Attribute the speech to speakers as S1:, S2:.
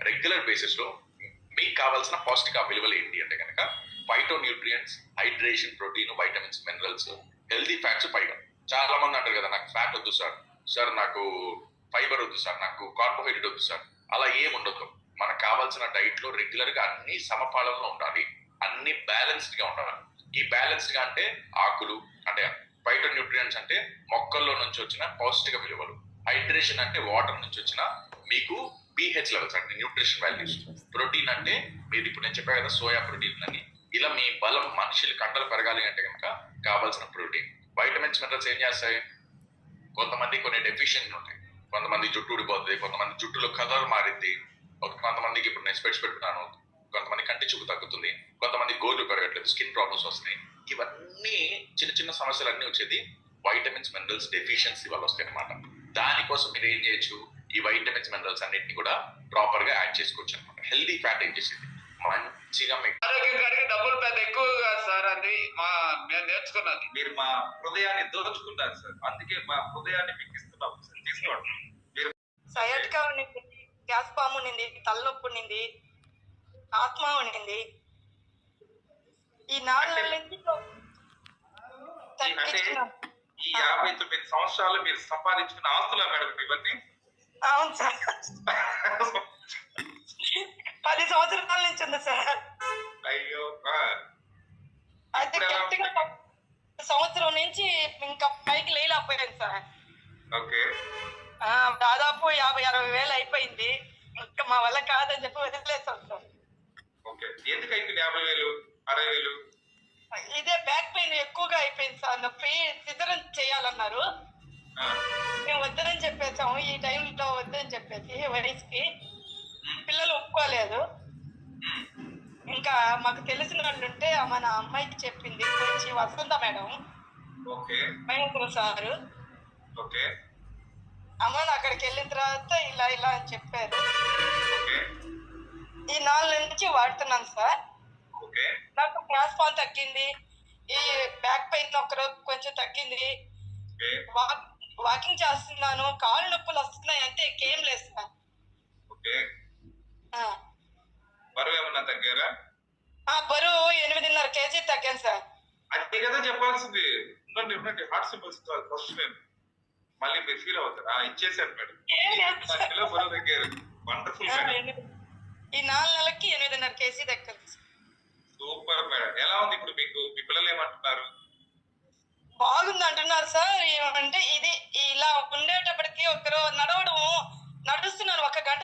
S1: Regular basis లో మీకు కావాల్సిన పౌష్టిక విలువలు ఏంటి అంటే కనుక phyto nutrients, hydration, protein, vitamins, minerals, healthy fats పైగా. చాలా మంది అంటారు కదా నాకు ఫ్యాట్ వద్దు సార్, సార్ నాకు ఫైబర్ వద్దు సార్, నాకు కార్బోహైడ్రేట్ వద్దు సార్. అలా ఏముండదు. మనకు కావాల్సిన డైట్ లో రెగ్యులర్ గా అన్ని సమపాలంలో ఉండాలి, అన్ని బ్యాలెన్స్డ్ గా ఉండాలి. ఈ బ్యాలెన్స్డ్ గా అంటే ఆకులు అంటే ఫైటో న్యూట్రియంట్స్ అంటే మొక్కల్లో నుంచి వచ్చిన పౌష్టిక విలువలు, హైడ్రేషన్ అంటే వాటర్ నుంచి వచ్చిన మీకు pH లెవెల్స్ అంటే న్యూట్రిషన్ వాల్యూస్, ప్రోటీన్ అంటే మీరు ఇప్పుడు నేను చెప్పా కదా సోయా ప్రోటీన్ అని, ఇలా మీ బలం మనుషులు కండలు పెరగాలి అంటే కనుక కావాల్సిన ప్రోటీన్. వైటమిన్స్, మినరల్స్ ఏం చేస్తాయి? కొంతమంది కొన్ని డెఫిషియన్సీ ఉంటాయి, కొంతమంది జుట్టు ఊడిపోతుంది, కొంతమంది జుట్టులో కలర్ మారింది, కొంతమందికి ఇప్పుడు నేను స్పెట్స్ పెట్టుకున్నాను, కొంతమంది కంటి చూపు తగ్గుతుంది, కొంతమంది గోర్లు పెరగట్లేదు, స్కిన్ ప్రాబ్లమ్స్ వస్తున్నాయి. ఇవన్నీ చిన్న చిన్న సమస్యలు అన్నీ వచ్చేది వైటమిన్స్, మినరల్స్ డెఫిషియన్సీ వల్ల వస్తాయి అనమాట. దానికోసం మీరు ఏం చేయొచ్చు, ఈ వైటమిన్స్, మినరల్స్ అన్నిటిని కూడా ప్రాపర్ గా యాడ్ చేసుకోవచ్చు అనమాట. హెల్దీ ఫ్యాట్ ఏం చేసేది మంచిగా మీకు
S2: ఆరోగ్యం డబ్బులు పెద్ద ఎక్కువ కాదు సార్, అది మేము నేర్చుకున్నది.
S3: మీరు మా హృదయాన్ని దోచుకుంటారు సార్, అందుకే మా హృదయాన్ని మీకు ఇస్తున్నాం సార్, తీసుకోండి. మీరు
S4: సయాటికా ఉండింది, గ్యాస్ పాము ఉండింది, తలనొప్పి ఉండింది, ఆత్మ ఉండింది. ఈ 4 నెలల నుంచి తగ్గించుకున్నాం.
S3: ఈ 59 సంవత్సరాలు మీరు సంపాదించుకున్న ఆస్తులా మేడం ఇవన్నీ?
S4: అవును సార్, 10 సంవత్సరాల నుంచి ఉంది సార్.
S3: అయ్యో.
S4: అయితే గట్టిగా సంవత్సరం నుంచి ఇంకా పైకి లేకపోయాను సార్.
S3: ఓకే.
S4: దాదాపు 50-60 వేలు అయిపోయింది. ఇంకా మా వల్ల కాదని చెప్పి వదిలేసాం సార్.
S3: ఓకే. ఎందుకు అయిపోయింది 50,000, 60,000?
S4: ఇదే బ్యాక్ పెయిన్ ఎక్కువగా అయిపోయింది సార్. నొప్పి సిజరన్ చేయాలన్నారు, మేము వద్దని చెప్పేసాము. ఈ టైంలో వద్దని చెప్పేసి వయసుకి పిల్లలు ఒప్పుకోలేదు. ఇంకా మాకు తెలిసిన వాళ్ళు ఉంటే మన అమ్మాయికి చెప్పింది, వచ్చి వసంత మేడం, మహేంద్ర సారు, అమ్మ అక్కడికి వెళ్ళిన తర్వాత ఇలా ఇలా అని చెప్పారు. ఈ 4 నెలల నుంచి వాడుతున్నాను సార్. నాకు గ్యాస్ పాన్ తగ్గింది, ఈ బ్యాక్ పెయిన్ ఒకరోజు కొంచెం తగ్గింది, వాకింగ్ చేస్తున్నాను, కాళ్ళు నొప్పులు వస్తున్నాయి, అంతే, ఇంకేం లేదు సార్.
S3: బరువు ఏమన్నా తగ్గారా?
S4: బరువు 8.5 kg తగ్గాను సార్.
S3: అదే కదా చెప్పాల్సింది. ఉండండి, హార్ట్ సింబల్స్ ఫస్ట్ నేను మళ్ళీ మీరు ఫీల్ అవుతారు. ఇచ్చేసారు మేడం, బరువు తగ్గారు. Wonderful madam.
S4: ఈ 4 నెలలకి 8.5 kg తగ్గింది.
S3: Super madam. ఎలా ఉంది ఇప్పుడు మీకు? మీ పిల్లలు ఏమంటున్నారు?
S4: బాగుంది అంటున్నారు సార్. ఏమంటే ఇది ఇలా ఉండేటప్పటికి ఒకరు నడుస్తున్నాను, 1 గంట